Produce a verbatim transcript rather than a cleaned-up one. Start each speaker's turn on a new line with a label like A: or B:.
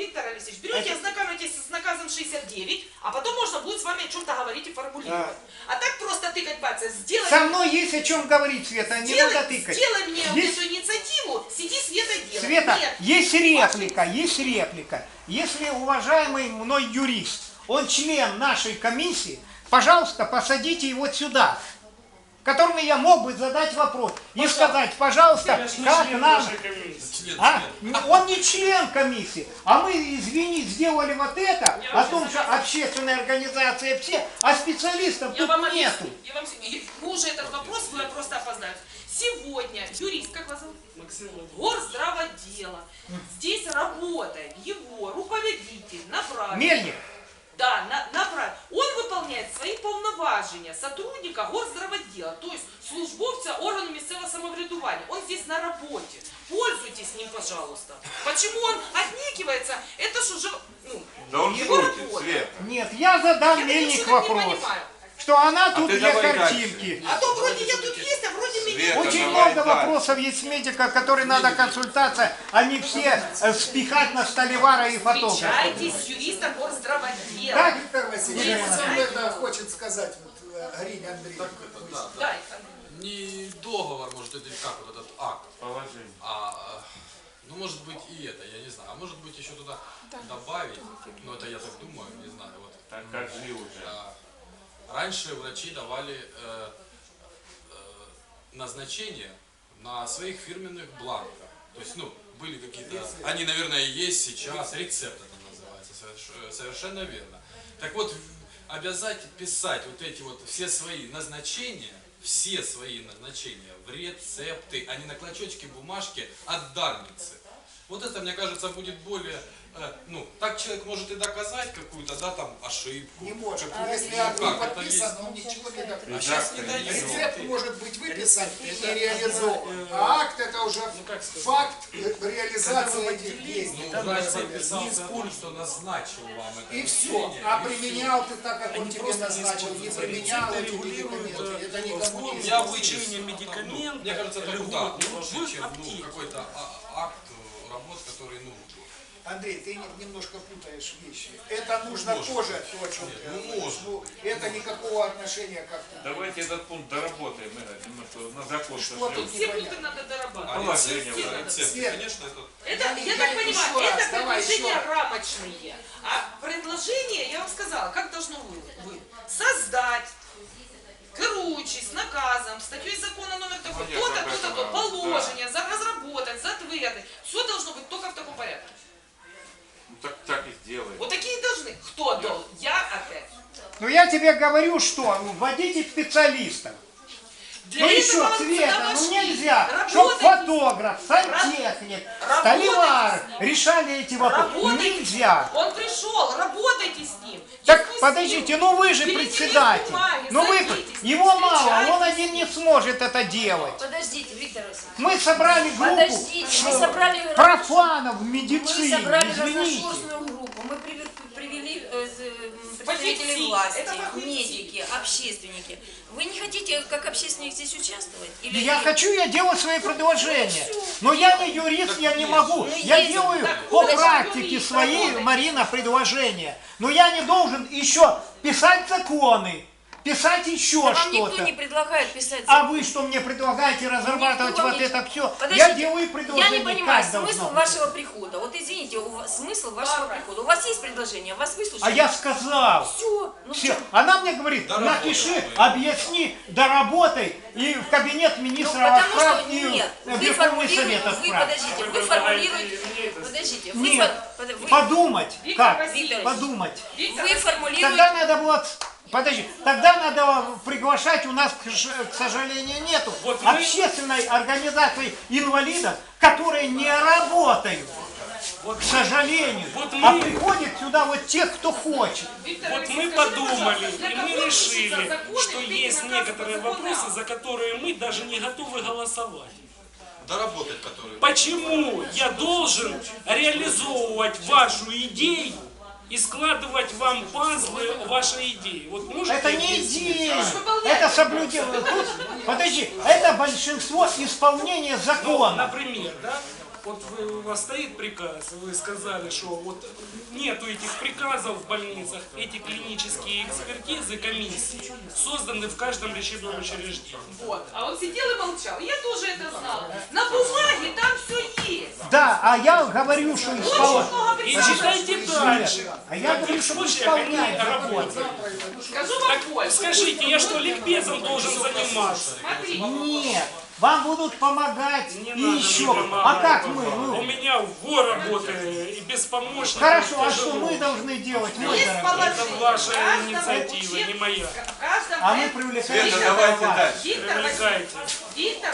A: Виктор Алексеевич, берете, ознакомитесь с наказом шестьдесят девять, а потом можно будет с вами о чем-то говорить и формулировать. А, а так просто тыкать пальцем, сделай...
B: Со мной есть о чем говорить, Света, не
A: сделай,
B: надо тыкать.
A: Сделай мне
B: есть...
A: эту инициативу, сиди, Света, делай.
B: Света,
A: Нет.
B: есть реплика, есть реплика. Если уважаемый мной юрист, он член нашей комиссии, пожалуйста, посадите его сюда, которому я мог бы задать вопрос и сказать, пожалуйста, как нам... А? Он не член комиссии, а мы, извини, сделали вот это, о том, что общественная организация все, а специалистов
A: я
B: тут
A: вам
B: нету.
A: Я вам... Вы уже этот вопрос, вы просто опоздаете. Сегодня юрист, как вас зовут?
C: Максим.
A: Горздравотдела. Здесь работает его руководитель, направитель.
B: Мельник.
A: Да, на, направ... он выполняет свои повноважения сотрудника горздравотдела, то есть службовца органу местного самоврядування. Он здесь на работе. Пользуйтесь ним, пожалуйста. Почему он отнекивается, это ж уже, ну,
D: да он
A: его
D: шутит,
A: работа.
D: Свет.
B: Нет, я задам
A: Я
B: Мельник
A: ничего не
B: вопрос.
A: понимаю.
B: Что она
D: А
B: тут
D: ты
B: для
D: давай
B: картинки.
D: дальше.
A: А то вроде я тут есть, а вроде меня
D: Света,
A: нет.
B: Очень
D: давай
B: много
D: дальше.
B: вопросов есть медика, которые надо консультация, а не все э, спихать на столевара и фотографа.
A: Встречайтесь с юристом горздравотдела.
B: Так,
E: Виктор Васильевич, что он тогда хочет сказать, вот, Арине Андреевне?
C: Так это, да, да.
A: Да,
C: Не договор, может, это как вот этот акт,
D: Положение.
C: а, ну, может быть, и это, я не знаю, а может быть, еще туда добавить, ну, это я так думаю, не знаю, вот.
D: Так кажи уже.
C: А, раньше врачи давали э, э, назначение на своих фирменных бланках, то есть, ну, были какие-то, они, наверное, есть сейчас, рецепт это называется, соверш- совершенно верно. Так вот, обязать писать вот эти вот все свои назначения, все свои назначения в рецепты, а не на клочочке бумажки от дарницы. Вот это, мне кажется, будет более, э, ну, так человек может и доказать какую-то, да, там, ошибку.
E: Не может.
C: Как-
E: Если
C: ну,
E: акт не
C: как это
E: подписан,
C: есть?
E: он ничего не докажет.
C: А сейчас не дают.
E: Рецепт может быть выписан и не реализован. А акт это уже факт реализации этих действий.
C: Ну, врач подписался о том, что назначил вам это
E: И все.
C: лечение,
E: А
C: и
E: применял ты так, как он тебе назначил, не применял эти медикаменты. Это никому не
C: Я
E: известно.
C: вычисление медикаментов, мне кажется, это да, лучше, чем ну, какой-то а- акт э, работ, который, ну,
E: Андрей, ты не- немножко путаешь вещи. Это нужно
C: Может.
E: тоже то, о чем
C: Нет,
E: ты
C: ну,
E: говоришь.
C: может.
E: Ну, это никакого отношения как-то.
D: Давайте этот пункт доработаем, Игорь, немножко на закон
E: Что
D: сошлем.
E: тут
A: все пункты надо дорабатывать.
C: а
D: Положение,
C: рецепты,
D: да,
C: рецепты,
E: Свет.
C: конечно, это...
A: Это,
E: Я-
A: я
E: я-
A: так
E: еще
A: понимаю,
E: раз,
A: это
E: давай,
A: предложения
E: еще раз.
A: рамочные. А предложение, я вам сказала, как должно вы- быть. Создать, керуючись наказом, статьей закона номер такой,
D: Ну, нет,
A: то-то,
D: об
A: то-то,
D: этом,
A: то,
D: да.
A: положение, за- разработать, затвердить. Все должно быть только в таком порядке.
D: Ну, так, так и сделаем.
A: Вот такие должны. Кто должен? Я опять.
B: Ну я тебе говорю, что вводите специалистов.
A: Для
B: Ну
A: этого
B: еще,
A: вам
B: Света,
A: сюда
B: ну
A: вошли.
B: нельзя, чтобы
A: Работайте.
B: фотограф, сантехник,
A: Работайте
B: столевар
A: с ним.
B: решали эти вопросы.
A: Работайте.
B: Нельзя.
A: Он пришел, работайте с ним.
B: Так
A: Дискуссируйте.
B: подождите, ну вы же
A: Берите лист
B: председатель.
A: бумаги,
B: Ну вы,
A: садитесь,
B: его мало, он
A: встречайтесь.
B: один не сможет это делать.
F: Подождите, Виктор Васильевич.
B: Мы собрали группу
F: Подождите, мы собрали-
B: профанов в
F: Мы
B: медицине,
F: собрали
B: извините.
F: разношерстную группу, мы привели, привели э, з- м, представителей
A: Фаховцы.
F: власти,
A: Это фаховцы.
F: медики, общественники. Вы не хотите, как общественник, здесь участвовать? Или
B: Я
F: нет?
B: хочу, я делаю свои предложения.
F: Ну, всё.
B: Но я не юрист, я не могу.
F: Ну,
B: Я
F: есть.
B: делаю
F: Так,
B: по
A: подожди,
B: практике
A: юрист,
B: своей,
A: работай.
B: Марина, предложения. Но я не должен еще писать законы, писать еще
F: Да вам никто
B: что-то.
F: не предлагает писать
B: А
F: закон.
B: вы что мне предлагаете разрабатывать
F: Никто вам
B: вот
F: не-
B: это все?
F: Подождите,
B: Я делаю
F: я
B: предложение,
F: не понимаю
B: как должно
F: смысл
B: быть.
F: вашего прихода. Вот извините, у вас, смысл вашего
A: Папа.
F: прихода. У вас есть предложение, вас выслушали?
B: А я сказал.
F: Все. Ну,
B: Все.
F: что?
B: Она мне говорит,
C: Доработай.
B: напиши, объясни, доработай и в кабинет
F: Ну,
B: министра
F: потому
B: отправь
F: что
B: и
F: нет,
B: в
F: вы
B: Верховный Совет
F: формулируете, вы,
B: отправь.
F: подождите, вы формулируете, подождите, вы,
B: Нет,
F: фор- под- вы,
B: подумать.
A: Виктор
B: Как?
A: Васильевич.
B: Подумать.
A: Виктор
F: вы
A: Васильевич.
F: формулируете,
B: Тогда надо было... Подожди, тогда надо приглашать, у нас, к ж- к сожалению, нету
C: Вот вы-
B: общественной организации инвалидов, которые не работают, к сожалению,
G: Вот
B: а
G: мы-
B: приходят сюда вот тех, кто хочет.
A: Виктор
G: Вот
A: Алексеевич,
G: мы
A: скажите,
G: подумали,
A: пожалуйста, для
G: и
A: кого
G: мы
A: пишутся
G: решили,
A: законы,
G: что
A: эти
G: есть
A: наказы
G: некоторые
A: подзаконные
G: вопросы,
A: акты?
G: за которые мы даже не готовы голосовать.
C: Доработать, которые...
G: Почему я должен реализовывать вашу идею и складывать вам пазлы вашей идеи? Вот можете
B: Это не
G: объяснить?
B: идея,
A: Выполнять.
B: это соблюдение. Тут, подожди, это большинство исполнения
G: Ну,
B: закона.
G: например, да? вот вы, у вас стоит приказ, вы сказали, что вот нету этих приказов в больницах, эти клинические экспертизы, комиссии созданы в каждом лечебном учреждении.
A: Вот. А он сидел и молчал. Я тоже это знала. На бумаге там все есть.
B: Да, а я говорю, что
A: Очень
B: исполняют.
A: много
G: И
A: приказов.
G: читайте дальше.
B: А я
G: В
B: говорю,
G: каких
B: что
G: случаях они
B: исполняют.
G: работают.
A: Скажу вам
G: Так
A: больше.
G: скажите, я что, ликбезом должен заниматься?
A: Смотри.
B: Нет, вам будут помогать
G: Не
B: и
G: надо
B: еще.
G: мне помогать.
B: А как мы?
G: У
B: Ну,
G: меня вор работает, и без помощника.
B: хорошо, а
G: тяжело.
B: что мы должны делать, мой
A: Есть
B: дорогой?
A: положение.
G: Это ваша
A: Каждому
G: инициатива,
A: учеб-
G: не моя.
A: в каждом
B: А мы
A: этом-
B: привлекаем
D: Света,
B: себя
D: давайте
B: вас.
D: дальше.
A: Виктор
G: Привлекайте.
A: Васильевич, Виктор